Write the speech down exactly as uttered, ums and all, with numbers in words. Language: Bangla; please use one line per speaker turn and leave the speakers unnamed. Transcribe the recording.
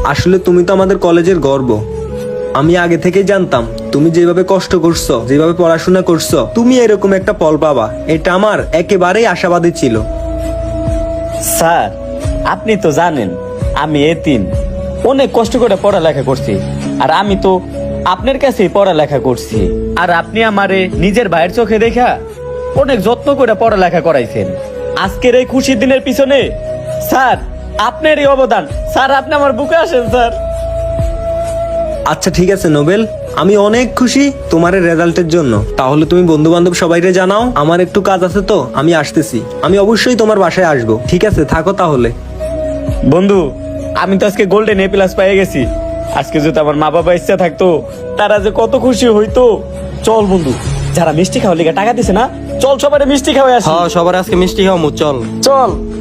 আসলে তুমি তো আমাদের কলেজের গর্ব। আমি আগে থেকেই জানতাম তুমি যেভাবে কষ্ট করছো, যেভাবে পড়াশোনা করছো, তুমি এরকম একটা ফল পাবা, এটা আমার একেবারেই আশাবাদী ছিল।
স্যার, আপনি তো জানেন আমি এতিম, অনেক কষ্ট করে পড়ালেখা করছি। আর আমি তো আপনার কাছেই পড়ালেখা করছি। আর আপনি আমারে নিজের ভাইয়ের চোখে দেখা অনেক যত্ন করে পড়ালেখা করাইছেন। আজকের এই খুশির দিনের পিছনে স্যার আপনার এই অবদান। স্যার, আপনি আমার বুকে আসেন স্যার।
আচ্ছা ঠিক আছে নোবেল, আমি অনেক খুশি তোমার এই রেজাল্টের জন্য। তাহলে তুমি বন্ধু বান্ধব সবাইকে জানাও, আমার একটু কাজ আছে তো আমি আসতেছি। আমি অবশ্যই তোমার বাসায় আসবো। ঠিক আছে, থাকো তাহলে।
বন্ধু, আমি তো আজকে গোল্ডেন এ প্লাস পেয়ে গেছি। আজকে যদি আমার মা বাবা ইচ্ছা থাকতো, তারা যে কত খুশি হইতো। চল বন্ধু, যারা মিষ্টি খাওয়ার লিগে টাকা দিছে না, চল সবাই মিষ্টি খাওয়াই আসি।
হ্যাঁ, সবার আজকে মিষ্টি খাওয়ামু, চল।
চল।